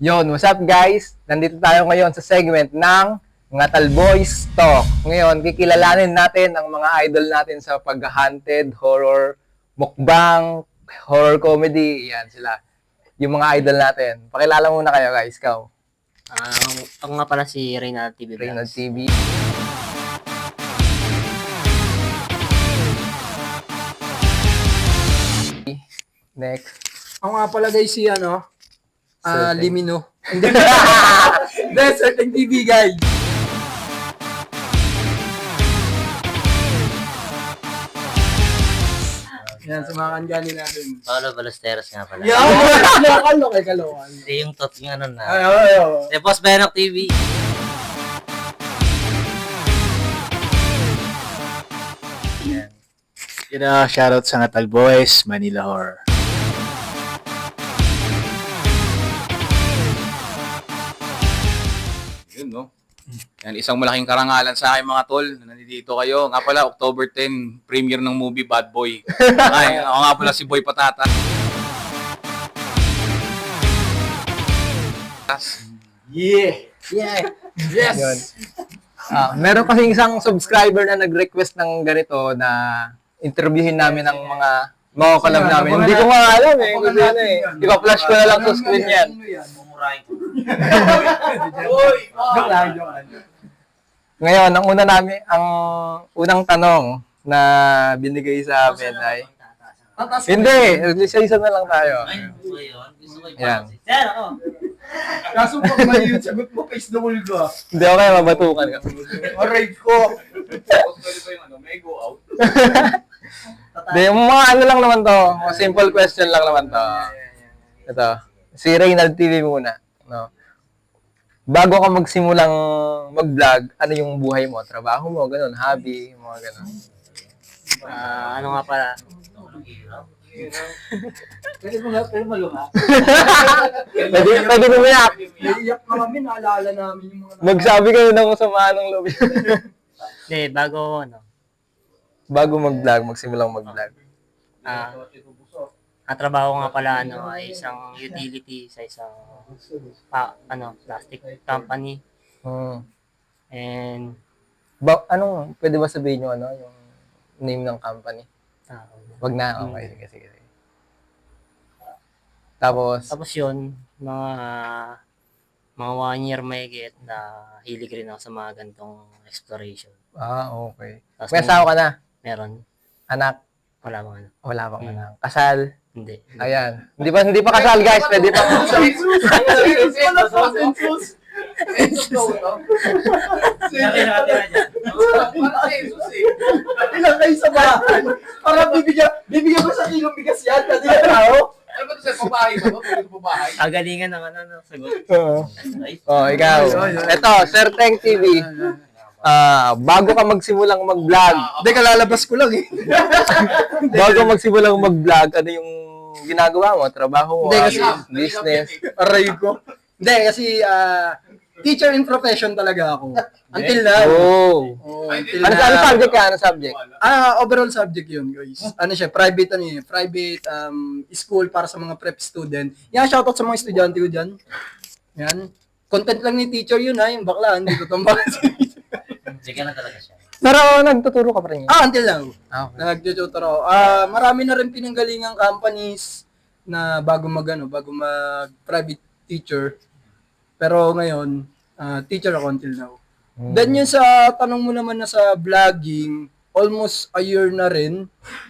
Yon, what's up guys? Nandito tayo ngayon sa segment ng Ngatal Boys Talk. Ngayon, kikilalanin natin ang mga idol natin sa pag-haunted, horror, mukbang, horror comedy. Yan sila. Yung mga idol natin. Pakilala muna kayo guys, ikaw. Ako nga pala si Reynald TV Reynald Vlogs. TV. Next. Ako nga pala guys si Certain. Limino. Certain TV guys. Yan, sa mga kanjani natin. Paolo Ballesteros nga pala. Kalokan. Hindi yung tot yung ano na. Ay. Si Boss Benok TV. Yan. Shoutout sa Ngatal Boys, Manila Horror. Yun, no? Yan, isang malaking karangalan sa akin mga tol na nandito kayo. Nga pala, October 10, premiere ng movie Bad Boy. Ay, ako nga pala si Boy Patata. Yeah. Yes. Yun. Meron kasing isang subscriber na nag-request ng ganito na interviewin namin ng mga collab namin. Hindi ko nga alam eh. Kung sino eh. Ipa-flash ko na lang sa screen yan. Mumurahin ko. Joke lang. Ngayon, ang unang tanong na binigay sa amin ay hindi, isa-isa na lang tayo. Ay, gusto ko yun. Gusto ko Yan. i-process. Yan ako. Kaso pag may yun, sagot mo, face the wall ka. Hindi ako kaya mabatukan ka. Aray ko. May go out. Hindi, yung mga ano lang naman to. Simple question lang naman to. Ito. Si Reynald TV muna. No? Bago ka magsimulang mag-vlog, ano yung buhay mo? Trabaho mo, ganun, hobby, mga ganun. Ano nga pala? Pwede mo luha. Pwede mo yan. Naiyak na kami, naalala namin yung mga... Magsabi kayo ng masama ng loob. Hindi, bago Bago mag-vlog, magsimulang mag-vlog. ang trabaho nga pala ay isang utility sa isang plastic company. Hmm. And Pwede ba sabihin yung yung name ng company? Wag na, okay, sige. Tapos yun, mga 1 year mahigit na hilig rin ako sa mga gantong exploration. okay. Tapos May asawa ka na? Meron. Anak? Wala bang ano? Wala pang anak. Kasal? Hindi. Ayan. Hindi pa kasal, guys. Pwede pa. Ilang kayo sa bahay. Para bibigyan mo sa kilong bigas yan. Kasi yan tao. Ano ba ito sa pabahay ba? Pwede sa pabahay? Kagalingan ng sagot. Ay, Ikaw. Ito, Sir Teng TV. Bago ka magsimulang mag-vlog, Hindi, kalalabas ko lang eh. bago magsimulang mag-vlog, ano yung ginagawa mo? Trabaho mo? Hindi, kasi- business? Aray ko. Hindi, kasi teacher in profession talaga ako. Until now. Oh. Until Ano now. subject ka? Ano subject? Overall subject yun, guys. Ano siya, private school para sa mga prep student. Yan, shoutout sa mga estudyante ko dyan. Yan. Content lang ni teacher yun ha, yung bakla, hindi ko tumbak. sige na talaga siya. Pero nagtuturo ka pa rin yun? Until now. Okay. Nag-tutor ako. Marami na rin pinanggalingang companies na bago mag private teacher. Pero ngayon, teacher ako until now. Then yun sa tanong mo naman na sa vlogging, almost a year na rin.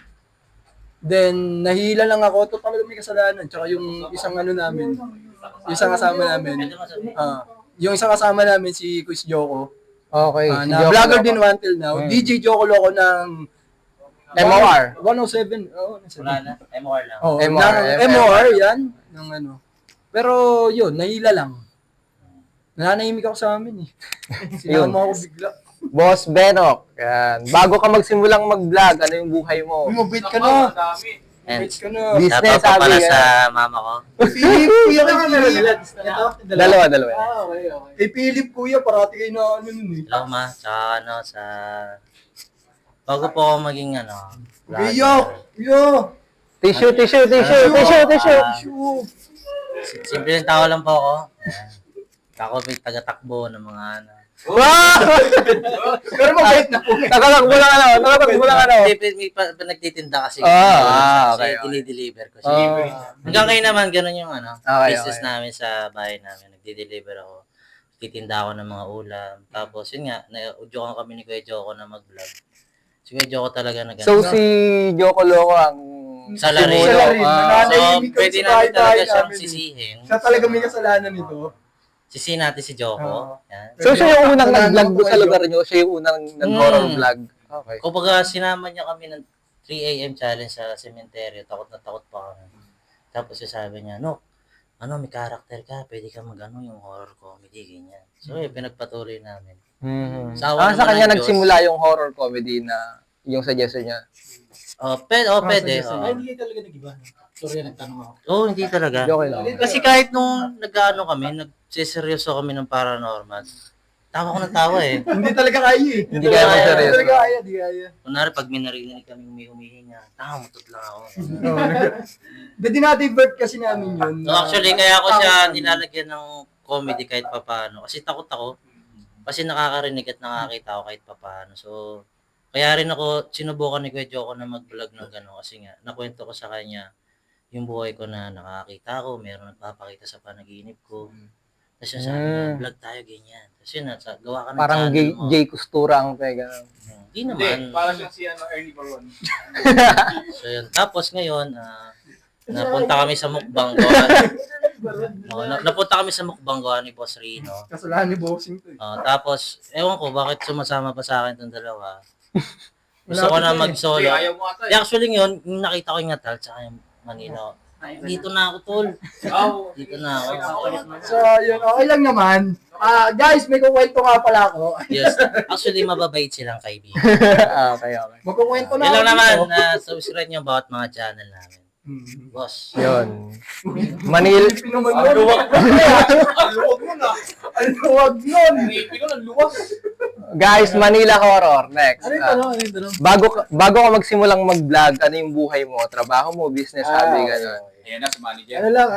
Then nahila lang ako, total may kasalanan. Tsaka yung isang namin, yung isang kasama namin, yung isang kasama namin si Quiz Joko, Okay. na vlogger din until now. DJ Joko Loco ng MOR. 107. Oo, Wala na. MOR lang. Oh, MOR, MOR yan. Ng Pero yun, nahila lang. Nananahimik ako sa amin eh. Sinama ako bigla. Boss Benok. Yan. Bago ka magsimulang mag-vlog, ano yung buhay mo? Umabit ka na. And Umabit ka na. Business, shoutout pa pala sabi, sa mama ko. Philip, kuya kay Philip. Dalawa. Okay. Kay Philip, kuya, parati kayo na nun eh. Hello ma, sa sa bago po ako maging Kuya, kuya. Tissue. Tissue. Ah, Tissue. Simple yung tao lang po ako. Ayan. Ako may taga-takbo ng mga ano. Wow! Pero mabait na po. Nakatakbo lang ano? Nakatakbo lang ano? May nagtitinda kasi. Okay. Dinideliver ko siya. Hanggang ngayon naman, ganun yung ano, Okay, business okay. namin sa bahay namin. Nagdi-deliver ako. Titinda ako ng mga ulam. Tapos yun nga, na-udyokan kami ni Kuya Joko na mag-vlog. Si Kuya Joko talaga na So si Joko Loco ang Salary. simulo. Salary. Ah. So, Nananahimik kami pwede sa namin talaga bahay-bahay siyang namin. sisihin. Siya talaga may kasalanan nito. Sisihin natin si Joko. Oo. Yan. So siya yung unang Kasalanan nag-vlog ko doon sa kayo. lugar niyo? Siya yung unang nag-horror vlog? Okay. Kumbaga, sinama niya kami ng 3 a.m. challenge sa cemetery. Takot na takot pa kami. Tapos sabi niya, no, may karakter ka, pwede ka mag-ano yung horror comedy, ganyan. So, pinagpatuloy namin. Mm-hmm. Sa awa Sa naman kanya ng Diyos. nagsimula yung horror comedy na yung suggestion niya. Pwede. Hindi talaga nag-iba. Sorry, nagtanong ako. Oo, hindi talaga. Okay lang. Kasi kahit nung nag-ano kami, nagsiseryoso kami ng paranormal, tawa ko ng tawa eh. Hindi talaga kaya eh. Hindi kaya Hindi mag-seryoso. talaga kaya, di kaya. Kunwari, pag may narinig kami humihinga, mutot lang ako. Dinadivert kasi namin yun. So actually, kaya ako siya nilalagyan ng comedy kahit papano. Kasi takot ako. Kasi nakakarinig at nakakita ako kahit papano. So, kaya rin ako, sinubukan ni Kuya Joko na mag-vlog ng gano'n. Kasi nga, nakwento ko sa kanya yung buhay ko na nakakita ko, meron nagpapakita sa panaginip ko. Tapos siya sabi niya, vlog tayo ganyan. Tapos yun, gawa ka ng Parang channel mo. Jay Costura ang pega. Hindi naman. Para siyang si Ernie Baron. So yun. Tapos ngayon, napunta kami sa mukbang napunta kami sa mukbang gawa ni Boss Rino. Kasalanan ni Bossing to eh. Tapos, ewan ko, bakit sumasama pa sa akin itong dalawa. Gusto ko na mag-solo. Ayaw mo ata. Actually ngayon, yung nakita ko yung Natal tsaka yung Manila. Dito na ako, tol. Dito na ako. So, yun, okay lang naman. Guys, may kukwento nga pala ako. Yes. Actually, mababait silang kaibigan. Okay. Magkukwento na Yan lang ako naman, dito. na subscribe nyo bawat mga channel namin. Boss. Yun. Manil. Luwag mo na. Ang luwag nun. Guys, Manila Horror. Next. Ano yung tanong? Ano yung tanong? Bago ka magsimulang mag-vlog, ano yung buhay mo? Trabaho mo, business, hobby, gano'n. Ayan na, si manager. Ano lang,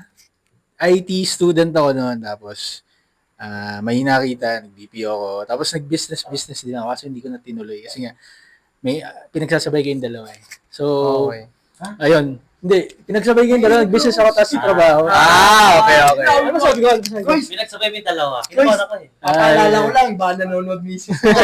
IT student ako noon. Tapos, may nakita, nag-BPO ako. Tapos, nag-business din ako kasi hindi ko na tinuloy. Kasi nga, may pinagsasabay kayong dalawa eh. So, Okay. ayun. Hindi, pinagsabay kayong dalawa. Nag-business ako tapos trabaho. Okay. Ano sabi ko? Guys, Pinagsabay mo yung dalawa. Kinuha ko eh. papaalala ko lang, ba nanonood misis mo.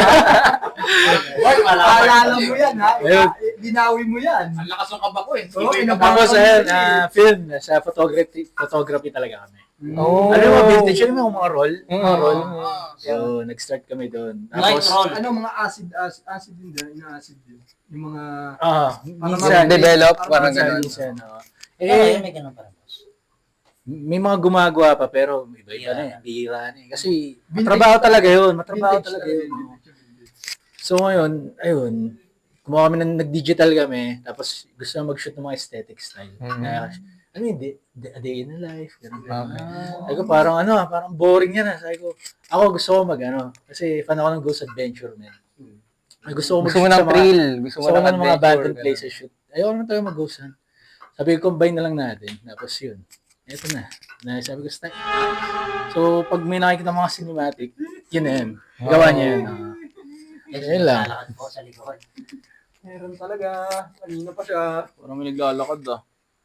Papaalala mo yan, ha? Binawi mo yan. Ang lakas ng kaba ko eh. Oo, Tapos, ayun, film. Sa photography talaga kami. Oh. Ano yung mga vintage? Ano yung mga roll? Mga roll. Ah. So, nag-start kami doon. Light Tapos, roll. Ano, mga acid din dyan, ina-acid din. Yung mga... minsan, Develop, parang minsan, gano'n. minsan, oo. Eh, may ganun pa rin, boss. May mga gumagawa pa pero iba-iba na eh. Bihira na eh. Kasi Vintage matrabaho pa- talaga yun. Matrabaho vintage talaga talaga yun. yun. So ngayon, ayun, kumuha kami nag-digital kami, tapos gusto na mag-shoot ng mga aesthetic style. Kaya, ano yun, a day in the life, ganun. Sabi ko, parang boring yan ah. Sabi ko, ako gusto ko kasi fan ako ng Ghost Adventure, man. Gusto ko Gusto mo mag-shoot ng sa mga, thrill. Gusto mo gusto ko ng ng mga abandoned adventure. places shoot. Ayaw naman tayo mag-ghost hunt. Sabi ko, combine na lang natin. Tapos yun. Eto na. Sabi ko, style. So, pag may nakikita mga cinematic, yun na yun. Gawa niya yun. Yun lang. Lalakad po sa likod. Meron talaga. Kanina pa siya. Parang may naglalakad ah.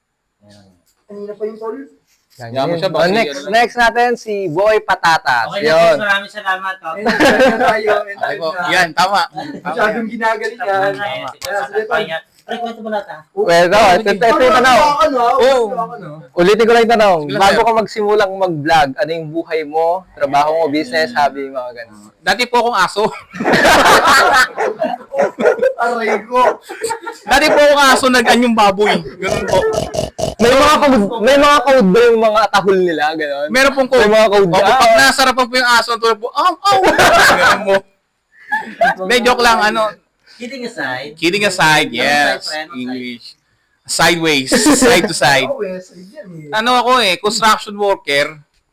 Kanina pa yung tol. Yaman siya, baka Next natin, si Boy Patatas. Okay na, Yun. boss. Maraming salamat. Enjoy na tayo. Ay Enjoy po. na. Yan, tama. Masyadong ginagalingan. Kaya sige tol. Pre, kwento mo lahat ah. Well, ito yung tanong. Ulitin ko lang yung tanong. Sige lang, Bago sir. ka magsimulang mag-vlog, ano yung buhay mo, trabaho mo, business, hobby, mga ganun. Dati po akong aso. Aray ko. Dati po akong aso nag-anyong baboy. Ganun po. May mga code ba yung mga tahol nila, ganun? Meron pong code. May mga code. Opo, pag nasarapan po yung aso, ang tulad po, ganun po. May joke lang, Kidding aside. kidding aside, yes. Friend, English. Sideways, side to side. Oo, yes. Yan eh. Ano ako construction worker.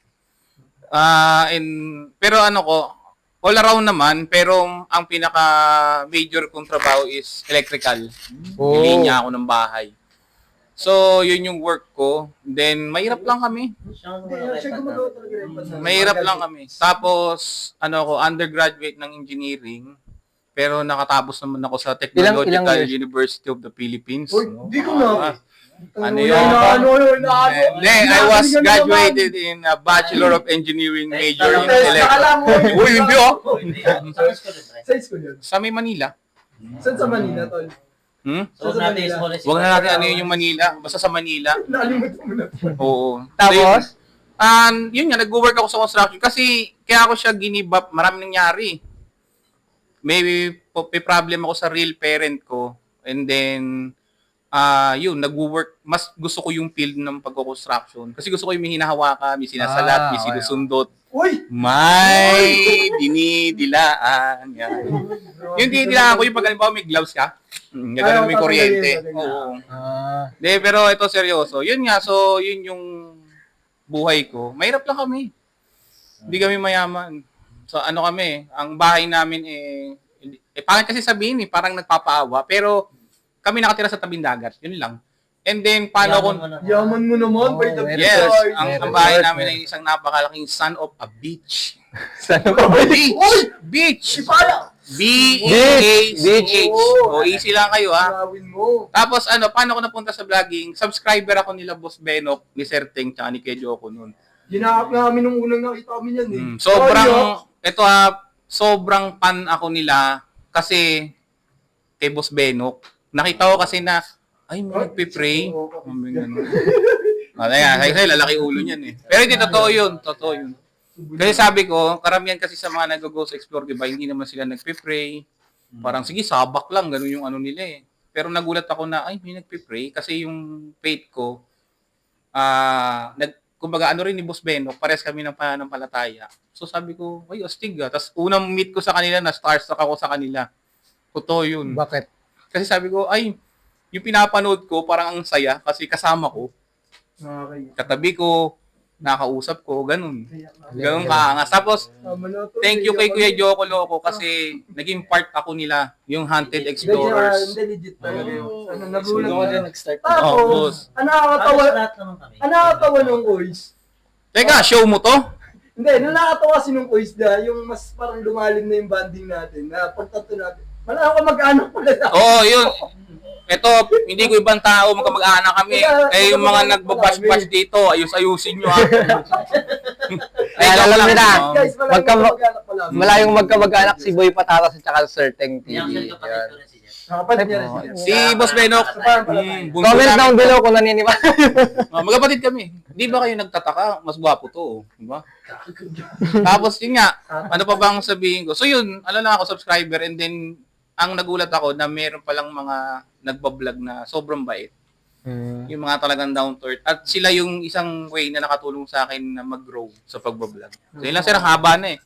Pero all around naman, pero ang pinaka major kong trabaho is electrical. Oh. Nilinya ako ng bahay. So, yun yung work ko. Then, mahirap lang kami. Siya gumagawa talaga rin. Mahirap lang kami. Tapos, ako, undergraduate ng engineering. Pero nakatapos naman ako sa Technological Ilang years? University of the Philippines. Uy, di ko na. Ano yun? Hindi, I was graduated in a Bachelor of Engineering major in Electrical. Uy, hindi oh! Sa school yun. Sa may Manila. Saan sa Manila, tol? So, natin is college. Huwag na natin ano yun yung Manila. Basta sa Manila. Nakalimutan mo na. Oo. Tapos? Yun nga, nag-work ako sa construction. Kasi, kaya ako siya ginibap, maraming nangyari. May problem ako sa real parent ko. And then, yun, nag-work. Mas gusto ko yung field ng pagko-construction. Kasi gusto ko yung may hinahawakan, may sinasalat, may okay. sinusundot. Uy! May dinidilaan. Yan. Yung dinidilaan ko, yung pag halimbawa may gloves ka, gagawin mo yung kuryente. Oo. De, pero ito seryoso. Yun nga, so yun yung buhay ko. Mahirap lang kami. Hindi kami mayaman. So ano kami, ang bahay namin pangit kasi sabihin parang nagpapaawa. Pero kami nakatira sa tabing dagat. Yun lang. And then, paano kung... Yaman mo naman, by the Yes, Lord. ang bahay namin ay isang napakalaking son of a beach. Sana pa ba? Beach! Beach! Ipala! B-E-A-C-H. Oo. O, easy lang kayo, ha? Gawin mo. Tapos, paano ko napunta sa vlogging? Subscriber ako nila Boss Benok, ni Sir Teng, tsaka ni Kejo ako noon. Ginahap namin nung unang nakita kami yan eh. Sobrang fan ako nila kasi kay Boss Benok. Nakita ko kasi na, ay, may nagpipray. Kaya lalaki ulo niyan eh. Pero hindi, totoo yun. Kasi sabi ko, karamihan kasi sa mga nag-go sa Explore, diba, hindi naman sila nagpipray. Parang, sige, sabak lang, ganun yung ano nila eh. Pero nagulat ako na, ay, may nagpipray. Kasi yung faith ko, kumbaga, ano rin ni Boss Benok, pares kami ng pananampalataya. So sabi ko, ay, astig ah. Tapos unang meet ko sa kanila, na starstruck ako sa kanila. Totoo yun. Bakit? Kasi sabi ko, ay, yung pinapanood ko, parang ang saya kasi kasama ko. Katabi ko, nakausap ko, ganun. Ganun kaangas. Tapos, thank you kay Kuya Joko Loco kasi naging part ako nila, yung Hunted Explorers. Hindi, legit talaga yun. Nagulat Siguro na. din nag-start. Tapos, nakakatawa nung voice. Teka, show mo to? Hindi, nakakatawa kasi nung voice na, yung mas parang lumalim na yung banding natin, na pagtato natin. Wala ako mag-anak pala na. Oo, yun. Ito, hindi ko ibang tao, magkamag-anak kami. Eh, yung mga nagbabash-bash dito, ayus-ayusin nyo ha. Ay, alam nyo na. Guys, wala mag-anak pala. Malayong magkamag-anak si Boy Patatas at saka Sir Teng TV. Nakapalit niya rin siya. Si Boss Benok, bunso Comment namin. down below kung naniniwala. Magkapatid kami. Di ba kayo nagtataka? Mas gwapo to, di ba? Tapos yun nga, ano pa bang sabihin ko? So yun, ano lang ako, subscriber, and then, ang nagulat ako na meron palang mga nagbablog na sobrang bait. Yung mga talagang down to earth. At sila yung isang way na nakatulong sa akin na mag-grow sa pagbablog. So yun lang sir, haba na eh.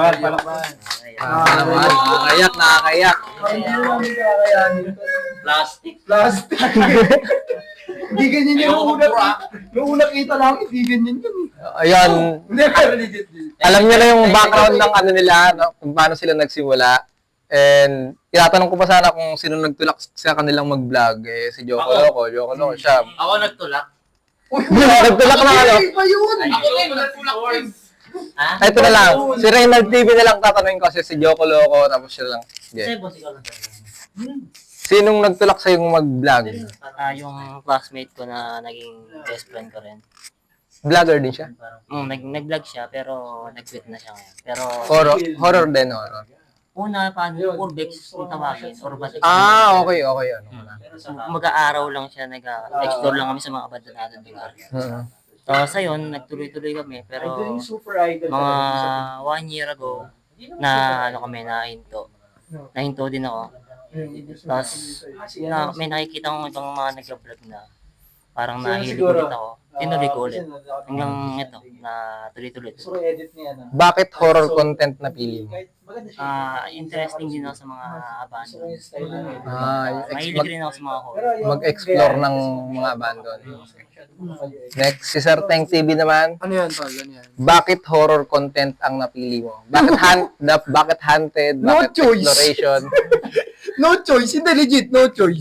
Nakakayak. Hindi na namin kakayanin. Plastic. Plastic. Hindi ganyan yun. Nung una kita lang, hindi ganyan yun. Ayun, Hindi, pero legit. alam niyo na yung background ng ano nila, no? Kung paano sila nagsimula. And tinatanong ko pa sana kung sino nagtulak sa kanilang mag-vlog. Eh, si Joko Loco siya. Ako nagtulak. Nagtulak na ano. Iba yun! Ako din, nagtulak din. Ha? Ito na lang. Si Reynald TV na lang tatanungin ko kasi si Joko Loco tapos siya lang. Kasi Yeah. boss, ikaw lang talaga. Sinong nagtulak sa yung mag-vlog? Yung classmate ko na naging best friend ko rin. Vlogger din siya. Nag-vlog siya pero nag-quit na siya ngayon. Pero Horror din, horror. una paano Urbex kung tawagin or Batik. Okay. Ano na. Mag-aaraw lang siya, nag-explore lang kami sa mga abandonadong lugar. Tapos ayun, nagtuloy-tuloy kami pero mga 1 year ago na nahinto din ako. Tapos may nakikita kong ibang mga nag-vlog na parang nahilig ulit ako. Tinuloy ko ulit. Hanggang ito, na tuloy-tuloy. Bakit horror content na pili mo? Interesting din ako sa mga abandon. Mag- Mahilig rin ako sa mga horror. mag-explore ng mga abandon. Next, si Sir Teng TV naman. Ano yan, tol? Ano yan? Bakit horror content ang napili mo? Bakit bakit hunted? No Bakit choice. exploration? No choice. Hindi, legit. No choice.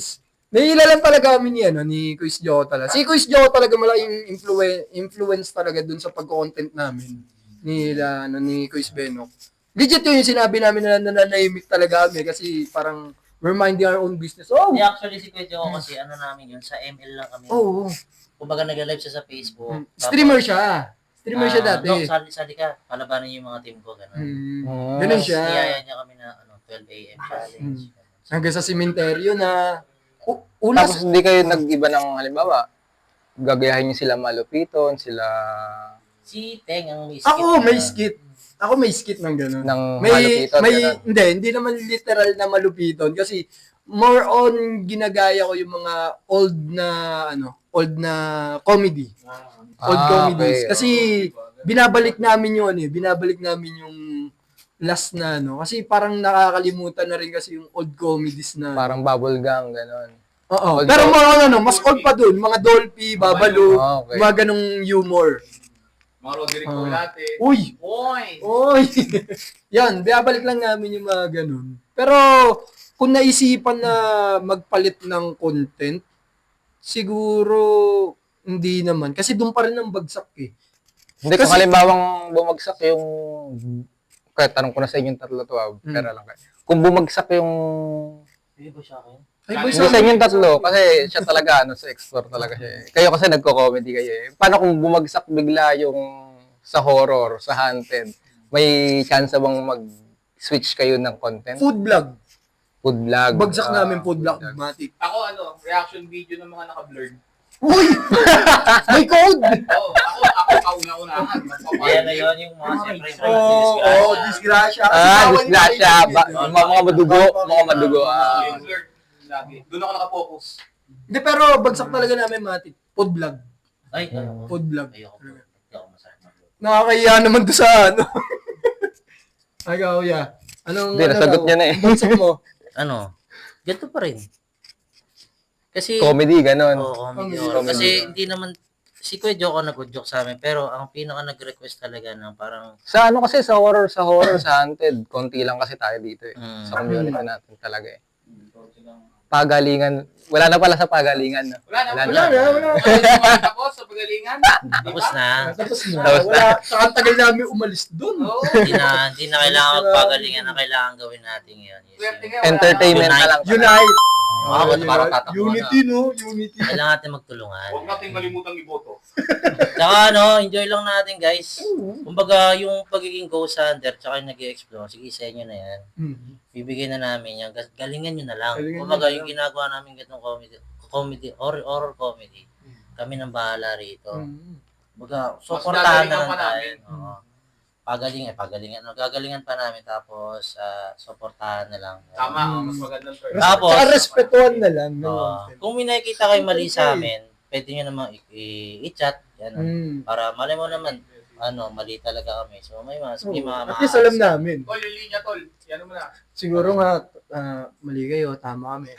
Naiilalan talaga kami ni Quiz Joe talaga. Si Quiz Joe talaga malaking influence talaga dun sa pag-content namin ni Quiz Benok. Legit yun yung sinabi namin na nananahimik talaga kami kasi parang we're minding our own business. Oh! Hindi, actually si Kuya Joe kasi ano namin yun, sa ML lang kami. Oh! Kumbaga nag-live siya sa Facebook. Streamer siya. Streamer siya dati. No, sali ka. Palabanan yung mga team ko. Ganun. Ganun siya. Niyaya niya kami na 12 a.m. challenge. Hanggang sa sementeryo na Tapos hindi kayo nag-iba ng halimbawa, gagayahin niyo sila Malupiton, sila Si Teng ang may skit. Ako may skit ng gano'n. ng Malupiton. ganun. Hindi naman literal na malupiton kasi more on ginagaya ko yung mga old na comedy. Old comedies. Okay. Kasi binabalik namin yung last na kasi parang nakakalimutan na rin kasi yung old comedies na. Parang bubble gang, gano'n. Oo. Old Pero mas old pa dun, mga Dolphy, Babalu, Okay. mga ganong humor. Mga Roderick Colate. Uy! Oy! Oy! Yan, binabalik lang namin yung mga ganun. Pero, kung naisipan na magpalit ng content, siguro, hindi naman. Kasi doon pa rin ang bagsak eh. Hindi, kung Kasi- halimbawang bumagsak yung, kaya tanong ko na sa inyong tatlo to, pera lang kayo. Kung bumagsak yung, Hindi ba siya akin? Ay, boy, hindi sa inyong tatlo, kasi siya talaga, sa explore talaga siya. Kayo kasi nagko-comedy kayo eh. Paano kung bumagsak bigla yung sa horror, sa haunted? May chance bang mag-switch kayo ng content? food vlog. Food vlog. Bagsak namin food vlog. vlog. Matic. Ako reaction video ng mga naka-blurred. Uy! May code! Ako kauna-unahan. Ayan na yun yung mga siyempre yung Disgrasya. Disgrasya. Mga madugo. Mga madugo. Yung blurred lagi. Doon ako nakapokus. Hindi, pero bagsak talaga namin, Matic. Food vlog. Ay, Food vlog. ayoko po. Hindi ako masarap. Nakakahiya naman to sa Ay, kauya. Anong, Hindi, nasagot niya na eh. Bagsak mo. Ano? Ganito pa rin. Kasi, Comedy, ganon. comedy. Comedy. Kasi hindi naman, si Kuya Joe ko nag-good joke sa amin, pero ang pinaka nag-request talaga ng parang, Sa kasi, sa horror, sa haunted, konti lang kasi tayo dito eh. Sa community natin talaga eh. Pagalingan, wala na pala sa pagalingan. No? Wala Wala. Tapos sa pagalingan. tapos na, Tapos na. Tapos na. Wala. Saka ang tagal namin umalis dun. Oo. hindi na kailangan magpagalingan na kailangan gawin natin yun. Swerte nga, wala Entertainment na lang. Unite. Parang tatakbo Unity, no? Unity. Kailangan natin magtulungan. Huwag nating malimutang iboto. Tsaka enjoy lang natin guys. Kumbaga yung pagiging ghost hunter tsaka yung nag-i-explore, sige sa inyo na yan. Bibigyan na namin yan. Galingan nyo na lang. Galingan Kumbaga nyo na yung ginagawa namin ganitong comedy, horror comedy, kami nang bahala rito. Kumbaga, supportahan na gagalingan lang pa tayo. namin. Oo. Pagalingan. Gagalingan pa namin tapos supportahan na lang. Tama, mas magandang term. Tapos, Saka respetuhan na lang. kung may nakikita kayo mali sa amin, pwede nyo namang i-chat. Yan, para malay mo naman, mali talaga kami. So, may mga At least alam namin. Tol, yung linya, tol. Yan mo na. Siguro nga, mali kayo, tama kami.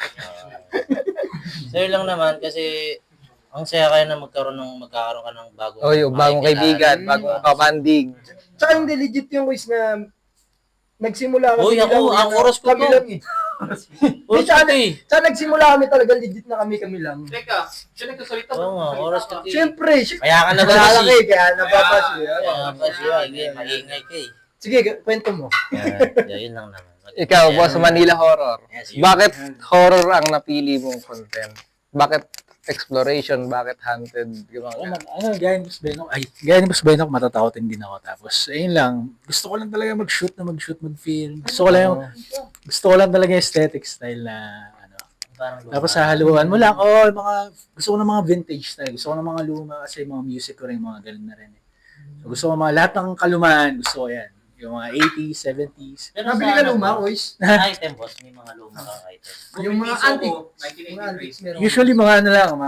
So, yun lang naman kasi ang saya kayo na magkakaroon ka ng bagong Bagong kaibigan, bagong kabandig. Tsaka hindi legit yung quiz na nagsimula kami. Uy, ako, ang oras ko kami to. lang eh. Oras ko to eh. Tsaka nagsimula kami talaga legit na kami lang. Teka, siya nagkasalita. Oo nga, oras ko to eh. Siyempre, Kaya ka nalala naglalaki. kayo, kaya nababasa. Kaya ba siya, maingay ka eh. Sige, kwento mo. Yun lang naman. Ikaw, boss, Manila Horror. Yes, yun. Bakit horror ang napili mong content? Bakit exploration? Bakit haunted? Gaya ni Boss Benok, matatakotin din ako. Tapos, ayun lang, gusto ko lang talaga mag-shoot, mag-film. Gusto ko lang talaga yung aesthetic style na, Tapos hahaluan mo lang, gusto ko ng mga vintage style. Gusto ko ng mga luma kasi mga music ko rin, mga ganun na rin. So, gusto ko mga lahat ng kalumaan, gusto ko yan. Yung mga 80s, 70s. Pero Nabili ka luma, boys? item, boss. May mga luma kang item. Yung mga antique. Usually mga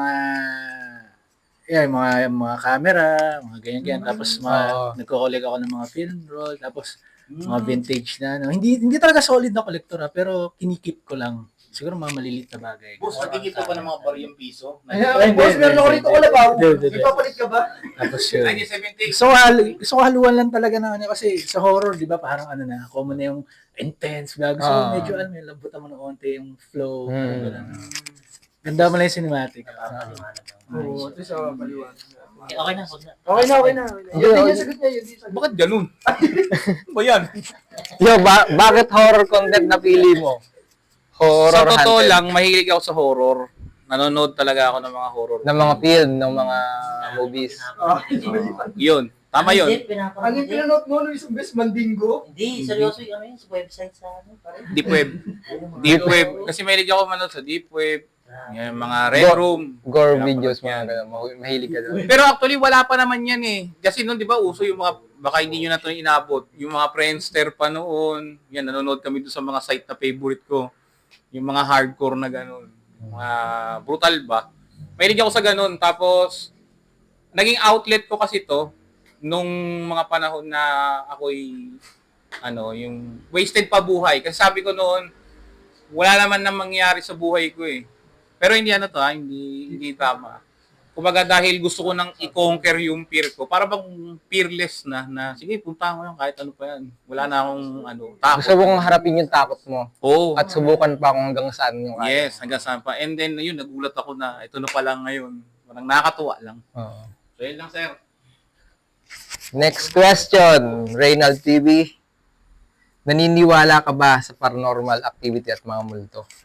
mga camera, mga ganyan-ganyan. Tapos nagko-collect ako ng mga film roll, tapos mga vintage na Hindi talaga solid na collector pero kinikip ko lang. Siguro mga maliliit na bagay. Boss, nagkikip ka pa ng mga baryang piso. Ay, boss, meron ako rito kalabaw. Hindi. Ipapalit ka ba? Tapos yun. 1970. Gusto ko haluan lang talaga na kasi sa horror, di ba, parang common na yung intense, bago. So medyo lambutan mo ng onte yung flow. Ganda mo lang yung cinematic. Oo, at least paliwanag. Okay, okay na, huwag na. Okay na. Yun yung sagot niya, yun yung sagot. Bakit ganun? Ba yan? Yo, bakit horror content na pili mo? Horror Sa totoo hunted. lang, mahilig ako sa horror. Nanonood talaga ako ng mga horror. Ng mga film, ng mga movies. Yun. Tama yun. Hindi, pinapanood. Ano yung pinanood mo nung isang best Mandingo? Hindi, seryoso yung ano yun, sa website sa ano. pare. Deep web. Deep web. Kasi mahilig ako manood sa deep web. Yung mga red room. Gore videos, mga ganun. Mahilig ka doon. Pero actually, wala pa naman yan eh. Kasi noon, di ba, uso yung mga, baka hindi nyo na ito inabot. Yung mga Friendster pa noon. Yan, nanonood kami doon sa mga site na favorite ko. Yung mga hardcore na ganun. Mga brutal ba. Mahilig ako sa ganun. Tapos, naging outlet ko kasi to nung mga panahon na ako'y, yung wasted pa buhay. Kasi sabi ko noon, wala naman na mangyari sa buhay ko eh. Pero hindi hindi tama. Kumbaga dahil gusto ko nang i-conquer yung fear ko, para bang fearless na sige, punta ko yan kahit ano pa yan. Wala na akong takot. Gusto mong harapin yung takot mo. Oo. At subukan pa kung hanggang saan yung kaya. Yes, hanggang saan pa. And then, yun, nagulat ako na ito na pala ngayon. Parang nakakatuwa lang. Oo. So, yun lang, sir. Next question, Reynald TV. Naniniwala ka ba sa paranormal activity at mga multo?